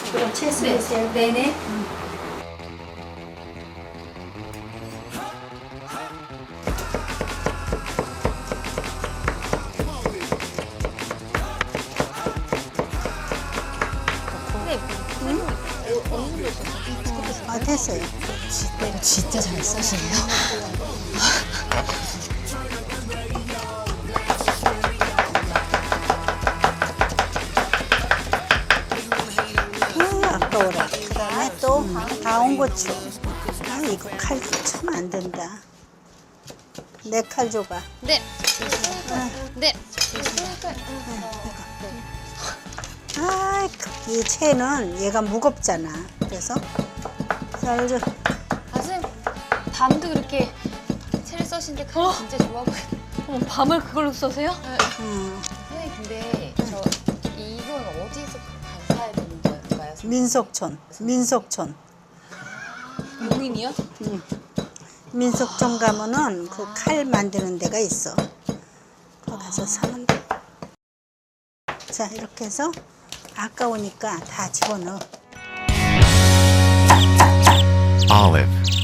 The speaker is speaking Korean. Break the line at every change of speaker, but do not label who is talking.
그럼 채수해주세요.
네네.
아, 됐어요.
진짜 잘 써시네요.
아, 아까워라. 그 다음에 또 다운고추. 아, 이거 칼 참 안 된다. 내 칼 줘봐.
네. 네.
아, 이 채는 얘가 무겁잖아. 그래서 잘 줘.
아, 선생님, 밤도 그렇게 채를 써시는데 칼이 진짜 좋아 보여요.
어머, 밤을 그걸로 써세요?
선생님, 근데 이건 어디서 사야 되는 건가요?
민속촌.
용인이요?
민속촌 가면은 그 칼 만드는 데가 있어. 거기 가서 사면 돼. 자, 이렇게 해서 아까우니까 다 집어넣어.
Olive.